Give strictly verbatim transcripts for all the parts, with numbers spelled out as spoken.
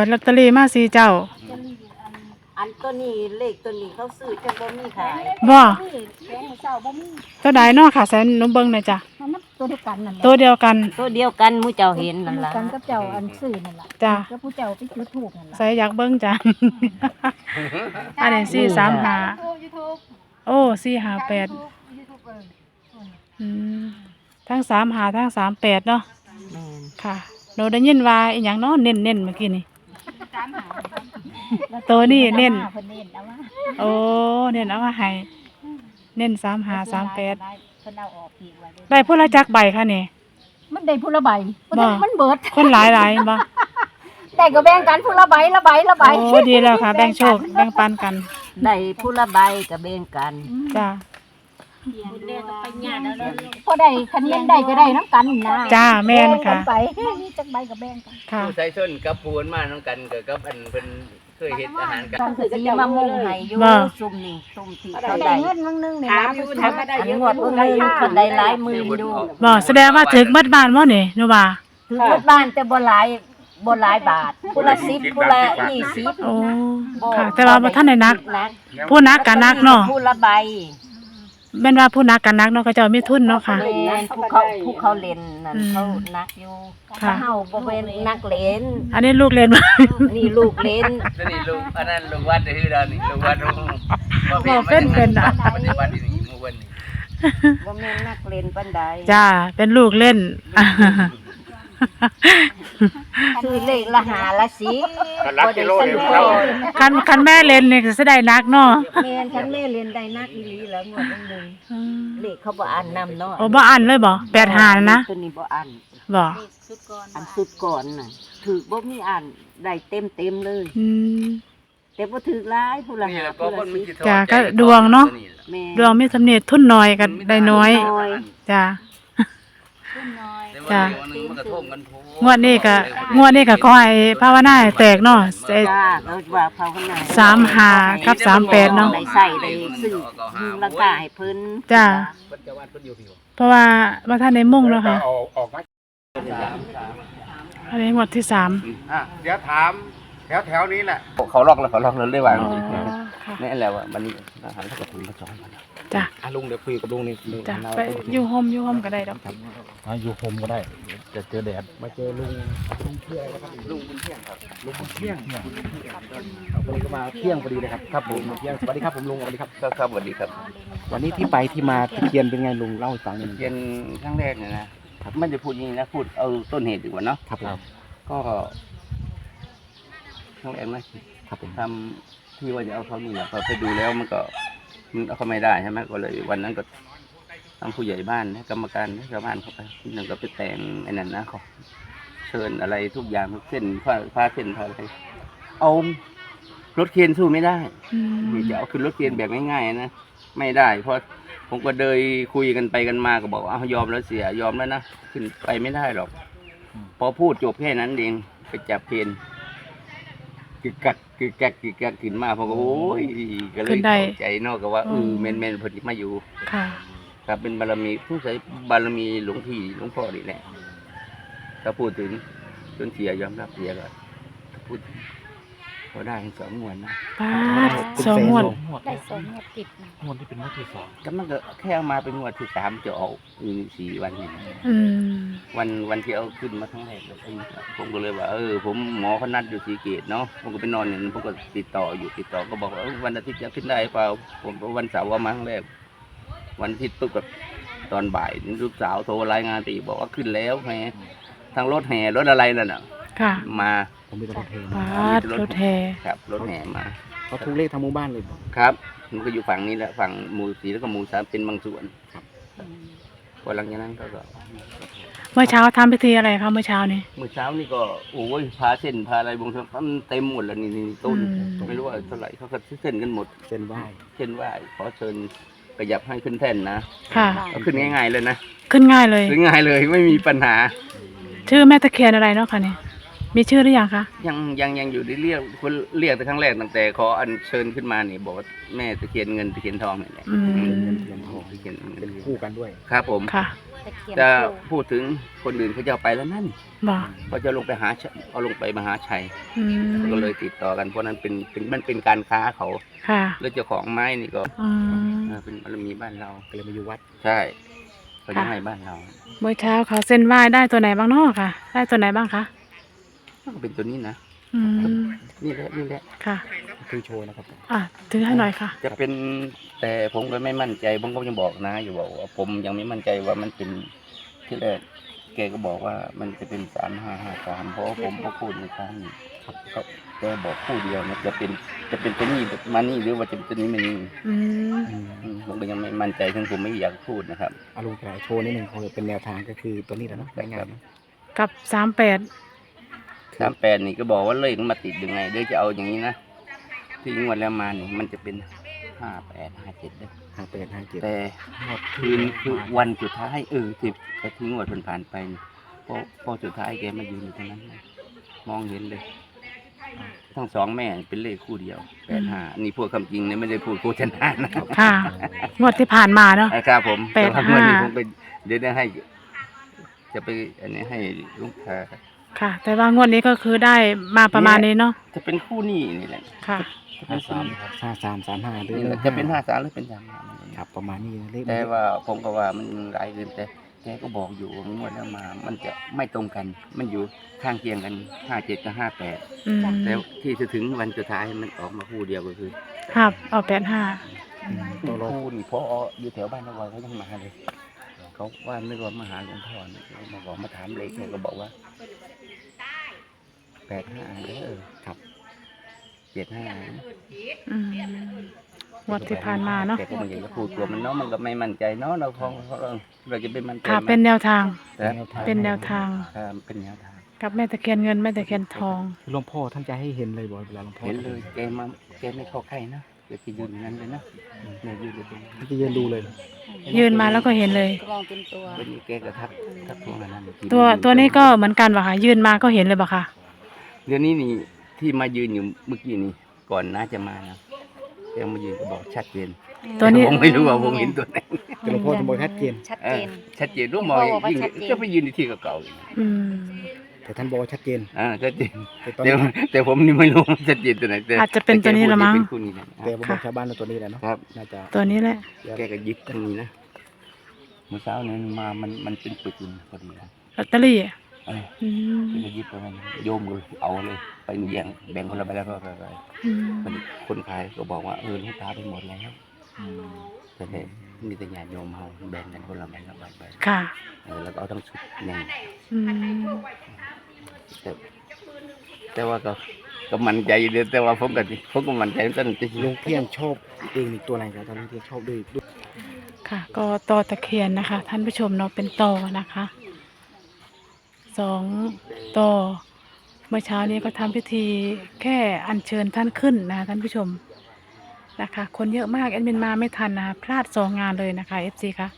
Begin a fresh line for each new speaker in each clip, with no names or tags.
ดลอตเตอรี่มาสี่เจ้า
อันตัวนี้เลขตัวนี้เขาซื้อจะบ่มีขาย
บ่
แพงเจ้าบ่มี
ตัวใดเนาะค่ะแสนหนูเบิ่งหน่อยจ้ะ
มันตัวเดียวกันนั่นแหละ
ตัวเดียวกัน
ตัวเดียวกันหมู่เจ้าเห็นนั่นล่ะ
กันกับเจ้าอันซื้อนั่นล่ะ
จ้ะ
ก็ผู้เจ้าไปจุดธูปนั่นล่ะ
ใส่อยากเบิ่งจ้ะอันนี้สี่สามห้าโอ้สี่ห้าแปดอืมทั้งสามห้าทั้งสามแปดเนาะ
แม่น
ค่ะหนูได้ยินว่าอีหยังเนาะเน้นๆเมื่อกี้นี่ตัวนี้เน้นโอ้เน้นเอามาให้เน้นสามห้าสามแปดได้ผู้ละจักใบค่ะนี่
มันได้ผู้ละใบมันเบิด
คนหลายหลายบ่
ได้ก็แบ่งกันผู้ละใบละใบละใบ
โอ้ดีแล้วค่ะแบ่งโชคแบ่งปันกัน
ได้ผู้ละใบก็แบ่งกัน
จ้า
พอได้คันนี้ได้ก็ได้น้ำกันนะ
จ้าแม่นค่ะ
ไปมีจักใบก็แบ่งกัน
ค่ะ
ผู้ใส่ส้นกับผู้มาน้องกันก็กับอันเพิ่นเคยเฮ็ดอาหารกัน
คือสิมามุ่งให้อยู่ซุ่มนี่ซุ่มที่เขาได้
เงินมื้อนึงนี่นะผู้ทำ
ได้เยอะงวดเพิ่นได้คนได้หลายหมื่นอยู่
บ่แสดงว่าถึกมัดบ้านบ่นี่หนูว่า
ถึกมัดบ้านแต่บ่หลายบ่หลายบาทผู้ละสิบผู้ละยี่สิบ
โอ้ค่ะแต่ว่าบ่ทันได้นักผู้นักก็นักเนาะ
ผู้ละใบ
แม่นว่าผู้นักกันนักเนาะเขาเจ้ามีทุนเนาะค่ะ
ผู้เขาผู้เขาเล่นนั่นเขานักอยู่ถ้าเฮาบ่เป็นนักเล่น
อันนี้ลูกเล่น
นี่ลูกเล่น
นี่ลูกอันนั้นลูกวัดคือดานี่ลูกวัด
บ่เป็นเป็นน่ะ
ปฏิบัตินี่มื้อวันนี้
บ่แม่นนักเล่นปานใด
จ้าเป็นลูกเล่น
คือเลขละหาละสิบ่ได้สนุก
คันคันแม่เล่นนี่ก็สิได้นักเนาะ
แม่นคันแม่เล่นได้นักอีหลีแล้วงวดนึงเลขเขาบ่อ่านนำเนาะ
โอ้บ่อ่านเลยบ่แปดห้านะ
ตัวนี้บ่อ่าน
บ่
อันสุดก่อนน่ะถูกบ่มีอ่านได้เต็มๆเลย
อืม
แต่บ่ถูกหลายผู้ละหาผู้ละสิบ
จ้าก็ดวงเนาะดวงมีสำเร็จทุนน้อยก็ได้น้อยจ้าจ้างวดนี้ก็งวดนี้ก็ขอให้ภาวนาให้แตกเนาะ
จ้าเราว่าภาวนา
สามห้ากับสามแปดเนาะ
ได้ใส่ได้ซื้อราคาให้เพิ่น
จ้าเพราะว่าว่าท่านได้มุ่งแล้วค่ะอันนี้งวดที่สาม
อ่ะเดี๋ยวถามแถวแถวนี้แหละ
เขาล็อกแล้วเขาล็อกแล้วเลยว่านี่แหละว่ามันอาหารเขาก็ถุงมาจองมัน
จ้ะ
ลุงเดี๋ยวคุยกับลุงนี่
จ้ะไปอยู่โฮมอยู่โฮมก็ได้ดอก
อยู่โฮมก็ได้จะเจอแดดมาเจอลุงลุงเที่ยงครับลุงบุญเที่ยงครับลุงบุญเที่ยงวันนี้ก็มาเที่ยงพอดีเลยครับครับผมเที่ยงสวัสดีครับผมลุงสวัสดีครับ
ครับสวัสดีครับ
วันนี้ที่ไปที่มาตะเคียนเป็นไงลุงเล่าให้ฟังหน่อย
ตะเคียนครั้งแรกเนี่ยนะไม่ได้พูดอย่างนี้นะพูดเอาต้นเหตุดีกว่าเนาะ
ครับ
ก็ครั้งแรกนะครับทำที่ว่าจะเอาเขานี่แหละพอไปดูแล้วมันก็มันเอาเขาไม่ได้ใช่ไหมก็เลยวันนั้นก็ทางผู้ใหญ่บ้านกรรมการชาวบ้านเขาไปหนึ่งก็ไปแต่งไอ้นั่นนะเขาเชิญอะไรทุกอย่างทุกเส้นผ้าผ้าเส้นผ้าอะไรเอารถเคนสู้ไม่ได้จะเอาขึ้นรถเคนแบบง่ายๆนะไม่ได้เพราะผมก็เดินคุยกันไปกันมาก็บอกเอายอมแล้วเสียยอมแล้วนะขึ้นไปไม่ได้หรอกพอพูดจบแค่นั้นเองไปจับเคนกึกกักกึกกักกึกกักขึ้นมาผมก็โอ้ยก็เลยใจนอกก็ว่าเออเมนเมนพอดีมาอยู่ครับเป็นบารมีผู้ใช้บารมีหลวงพี่หลวงพ่อนี่แหละถ้าพูดถึงจนเสียยอมรับเสียก็พูดพอได้สองงวดนะ
สองงวด
ได้สองงวดติด
งวดที่เป็นงวดที่สอง
ก็มันก็แค่มาเป็นงวดที่สามจะออกอีกสี่วันนี่วันวันที่เอาขึ้นมาทั้งแรกเลยผมก็เลยว่าเออผมหมอเขานัดอยู่สีเกตเนาะผมก็ไปนอนเนี่ยผมก็ติดต่ออยู่ติดต่อก็บอกว่าวันอาทิตย์จะขึ้นได้เปล่าผมวันเสาร์ว่ามาครั้งแรกวันอาทิตย์ปุ๊บกับตอนบ่ายลูกสาวโทรรายงานตีบอกว่าขึ้นแล้วไงทางรถแห่รถอะไรนั่นน่ะมา
ผมมีรถแห่
รถแห่
ครับรถแห่มา
เขาทุกเลขทางหมู่บ้านเลย
ครับมันก็อยู่ฝั่งนี้แหละฝั่งหมู่สี่แล้วก็หมู่สามเป็นบางส่วนครับพอหลังจากนั้นก็
เมื่อเช้าทำพิธีอะไรคะเมื่อเช้านี้
เมื่อเช้านี่ก็โอ้ยพาเส้นพาอะไรบางส่วนมันเต็มหมดแล้วนี่นี่ต้นไม่รู้ว่าเท่าไหร่เขาก็เส้นกันหมด
เส้นไหว้
เส้นไหว้ขอเชิญขยับให้ขึ้นแท่นนะ
ค่ะ
ขึ้นง่ายๆเลยนะ
ขึ้นง่ายเลย
ขึ้นง่ายเลยไม่มีปัญหา
ชื่อแม่ตะเคียนอะไรเนาะคะเนี่ยมีชื่อหรือยังคะ
ยังยังยังอยู่ในเรียกคนเรียกแต่ครั้งแรกตั้งแต่ขออัญเชิญขึ้นมาเนี่ยบอกว่าแม่ตะเคียนเงินตะเคียนทองเนี่ยแหละ
เงินตะเคียนทองตะเคียนเป็นคู่กันด้วย
ครับผม
ค่ะ
ตะเคียน
จะ
คู่
พูดถึงคนอื่นเขาจะเอาไปแล้วนั่น
บ่
เขาจะลงไปหาชัยเอาลงไปมหาชัย
อืม
ก็เลยติดต่อกันเพราะนั้นเป็นเป็นมันเป็นการค้าเขา
ค่ะ
แล้วเจ้าของไม้นี่ก็
อืม
เออเป็นบารมีบ้านเรา
ก็เลยมาอยู่วัด
ใช่เขาจะ
ค่ะ
ให้บ้านเรา
เมื่อเช้าเขาเส้นไหว้ได้ตัวไหนบ้างเนาะค่ะ ได้ตัวไหนบ้างคะ
ก็เป็นตัวนี้นะ
อืม
นี่แหละนี่แหละ
ค่ะ
คือโชว์นะครับ
อ่ะถือให้หน่อยค่ะ
จะเป็นแต่ผมก็ไม่มั่นใจผมก็ยังบอกนะอยู่บอกว่าผมยังไม่มั่นใจว่ามันเป็นที่แรกแกก็บอกว่ามันจะเป็นสามห้าห้าสามเพราะว่าผมก็พูดในครั้งนี้ครับเขาแกบอกคู่เดียวนะจะเป็นจะเป็นตัวนี้มานี่หรือว่าจะเป็นตัวนี้มานี่
อืม
อืมผมก็ยังไม่มั่นใจซึ่งผมไม่อยากพูดนะครับ
อารมณ์โชว์นิดหนึ่งคือเป็นแนวทางก็คือตัวนี้แหละเนาะได้งานเนอะ
กับสามแปด
สามแปดนี่ก็บอกว่าเลขมันมาติดยังไงเดี๋ยวจะเอาอย่างนี้นะที่งวดแล้วมานี่มันจะเป็นห้าแปดห้าเจ็ดเด้อ
ห้าแปดห้าเจ็ด
แต่คืนคือวันสุดท้ายเออที่แต่ที่งวดผ่านผ่านไปนี่พอพอสุดท้ายแกมายืนอยู่ตรงนั้นนะมองเห็นเลยทั้งสองแม่เป็นเลขคู่เดียวแปดห้านี่พูดคำจริงเนี่ยไม่ได้พูดโฆษณานะ
ค่ะ งวดที่ผ่านมาเนาะ
ครับผม
แปดห้า
ต่ว่งวนี้ผมไปเดี๋ยวได้ให้ จะไปอันนี้ให้ลูกค้า
ค่ะ แต่ว่างวดนี้ก็คือได้มาประมาณนี้เนาะ
จะเป็นคู่นี้นี่แหละ
ค่ะ
จะเป็
ห้าน
คู่
สาม
นี้
ห้าสามสามห้าหรือ
นี่แหละจะเป็นห้าสามหรือเป็นสามห้า
ครับประมาณนี้เลข
แต่ว่าผมก็ว่ามันหลายเกินแต่แกก็บอกอยู่ว่างวดแล้วมา มันจะไม่ตรงกัน มันอยู่ข้างเคียงกันห้าเจ็ดกับห้าแปด
อืม
แล้วที่จะถึงวันสุดท้ายมันออกมาคู่เดียวก็คือ
ครับเอาแปดห้า
ตัวรอ
คู่นี่พออยู่แถวบ้านนวอยเขายังมาเลยเขาว่านึกว่ามาหาหลวงพ่อเนี่ยเขามาบอกมาถามเลขเนี่ยก็บอกว่าแปดห้าเด้อครับเจ็ดห้า
อืมงวดที่ผ่านมาเนาะ
แต่ก็ไมันอยากจะพูดกลัวมันเนาะมันก็ไม่มั่นใจเนาะเราคงเราจะเป็นมั่นใจ
ค่ะ
ไหม
เป็นแนวทาง
แต่
เป็นแนวทาง
ครับเป็นแนวทาง
กับแม่ตะเคียนเงินแม่ตะเคียนทอง
หลวงพ่อท่านจะให้เห็นเลยบ่เวลาหลวงพ่อ
เห็นเลยแกมาแกไม่เข้าใกล้นะแกจะยืนอย่างนั้นเลยนะเนี่ยยืนอยู่ตรงนี้
ท่านจะยืนดูเลย
ยืนมาแล้วก็เห็นเลย
มองเป็นตัว
วันนี้แกก็ทักทักพวกนั้น
ตัวตัวนี้ก็เหมือนกันป่ะคะยืนมาก็เห็นเลยป่ะคะ
เดี๋ยวนี้นี่ที่มายืนอยู่เมื่อกี้นี่ก่อนน้าจะมานะแกมายืนก็บอกชัดเจน
ตัวนี้
ผมไม่รู้ว่าผมเห็นตัวไหน
แต่หลวงพ่อท่านบอกชัดเจน
ชัด
เอ
เจ
อน ชัดเจนรู้มอง
บอกว่า
ยิ่ง
ชัดเจน
ก็ไปยืนในที่เก่าๆอีก
อืม
แต่ท่านบอกว่าชัดเจน
อ่าชัดเจน
แต่ตอน
แต่
นี้
แต่ผมนี่ไม่รู้ว่าชัดเจนตัวไหนแต่
อาจจะเป็นตัวนี้ละมั้ง
แต่แกพูดว่าเป็นคู่นี้นะ
แต่ผมบอกชาวบ้านว่าตัวนี้แหละเนาะ
ครับ
น่าจะ
ตัวนี้แหละ
แกก็ยึดตรงนี้นะเมื่อเช้านี้มามันมันเป็นปึกอยู่พอดีนะ
ลอตเตอรี่อ่ะ
เออ
อืม
แกก็ยึดไปมันโยมเลยเอาเลยไปแย่งแบ่งคนละใบแล้วก็ไปไป
อืม
คนคนขายก็บอกว่าเออลูกค้าไปหมดแล้ว
อืม
แต่เนี่ยมีแต่ญาติโยมเอาแบ่งกันคนละใบละใบไป
ค่ะ
เออแล้วก็เอาทั้งชุดหนึ่ง
อืม
แต่แต่ว่าก็ก็มั่นใจอยู่เดียวแต่ว่าผมก็ผมก็มั่นใจตั้งแต่
ลุงเพียงชอบเองนี่ตัวไหนครับตอนนี้เพียงชอบด้วยด้วย
ค่ะ ก็ตอตะเคียนนะคะ ท่านผู้ชมเนาะเป็นตอนะคะสองตอเมื่อเช้านี้ก็ทำพิธีแค่อัญเชิญท่านขึ้นนะคะท่านผู้ชมนะคะ คนเยอะมากแอดมินมาไม่ทันนะคะพลาดสองงานเลยนะคะเอฟซีค่ะ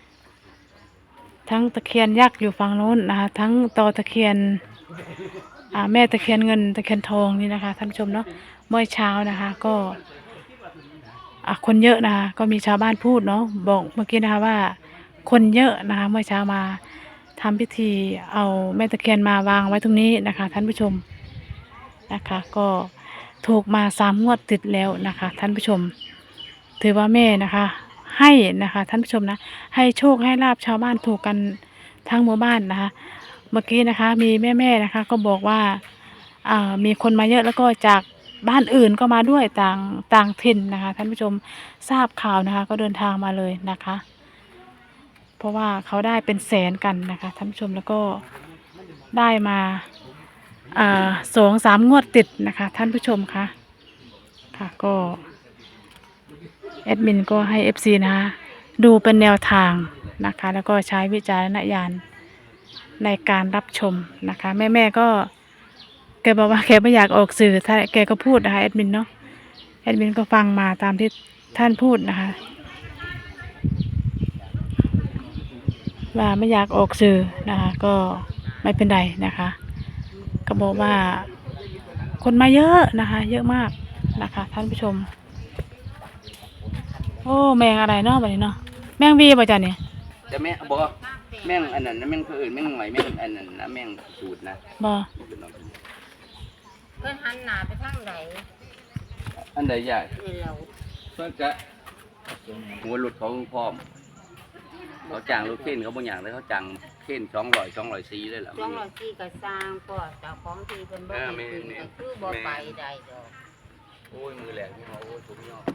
ทั้งตะเคียนยักษ์อยู่ฝั่งโน้นนะคะ ทั้งตอตะเคียนอ่าแม่ตะเคียนเงินตะเคียนทองนี่นะคะท่านผู้ชมเนาะเมื่อเช้านะคะ ก็อ่ะคนเยอะนะคะก็มีชาวบ้านพูดเนาะบอกเมื่อกี้นะคะว่า คนเยอะนะคะ เมื่อเช้ามาทำพิธีเอาแม่ตะเคียนมาวางไว้ตรงนี้นะคะ ท่านผู้ชมนะคะ ก็ถูกมาสามงวดติดแล้วนะคะ ท่านผู้ชม ถือว่าแม่นะคะ ให้นะคะ ท่านผู้ชมนะให้โชคให้ลาบชาวบ้านถูกกันทั้งหมู่บ้านนะคะ เมื่อกี้นะคะ มีแม่ๆนะคะ ก็บอกว่าอ่ามีคนมาเยอะแล้วก็จากบ้านอื่นก็มาด้วยต่างต่างถิ่นนะคะ ท่านผู้ชมทราบข่าวนะคะ ก็เดินทางมาเลยนะคะ เพราะว่าเขาได้เป็นแสนกันนะคะท่านผู้ชมแล้วก็ได้มาอ่าสองสามงวดติดนะคะ ท่านผู้ชมคะค่ะก็แอดมินก็ให้ เอฟ ซี นะคะดูเป็นแนวทางนะคะ แล้วก็ใช้วิจารณญาณในการรับชมนะคะ แม่ๆก็แกบอกว่าแกไม่อยากออกสื่อถ้าแกก็พูดนะคะแอดมินเนาะแอดมินก็ฟังมาตามที่ท่านพูดนะคะว่าไม่อยากออกสื่อนะคะก็ไม่เป็นไรนะคะ ก็บอกว่าคนมาเยอะนะคะ เยอะมากนะคะ ท่านผู้ชมโอ้แมงอะไรเนาะแบบนี้เนาะแมงวีป่ะจ๊ะเนี่ย
จะแม่บอกแม่งอันนั้นนะแม่งคืออื่นแม่งหน่อยแม่งอันนั้นนะแม่งสูตรนะ
บ่
เพิ่นหันหน้าไปทางใด
อันใดใหญ่
นี่แล้ว
เพื่อนจะหัวหลุดเขาพร้อมเขาจ้างรถเข็นเขาบางอย่างเลยเขาจ้างเข็นสองร้อยสองร้อยสี่เลยล่ะ
สองร้อยสี่ก็สร้างก็เจ้าของที่เพิ่นบ่ได้ขึ้นก็คือบ่ไปได้ดอก
โอ้ยมือแหลกที่เขาโอ้ยถุงยอด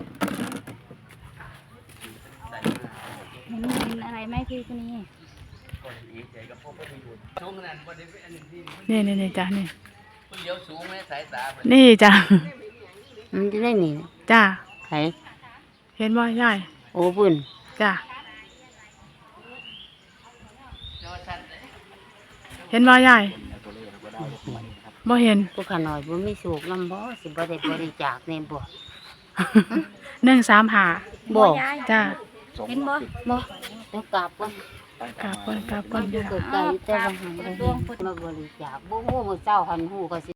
เห็นเห็นอะไรไหมพี่คนนี้
ดีใจกับพ่อพ่อไปอยู่สูงขนาดวันนี้เป็นอันหนึ่งที่
นี่นี่นี่จ้ะนี่
คนเดียวสูงไหมสายตาเพิ่น
นี่จ้ะ
มันจะได้นี่
จ้ะ
ไผ
เห็นบ่ยาย
โอ้บุญ
จ้ะเห็นบ่ยายบ่เห็น
ผู้ขาน้อยบ่มีสุขนำบ่สิบ่ได้บริจาคแน่บ่
หนึ่งสามห้า
บ่
จ้ะ
เห็นบ่
บ่เดี๋ยวกราบก่อน
กราบก่อนกราบก่อน
มันอยู่ไกลๆแต่ว่าหันไปเห็นมาบริจาคบ่ฮู้มื้อเช้าหันฮู้ก็สิ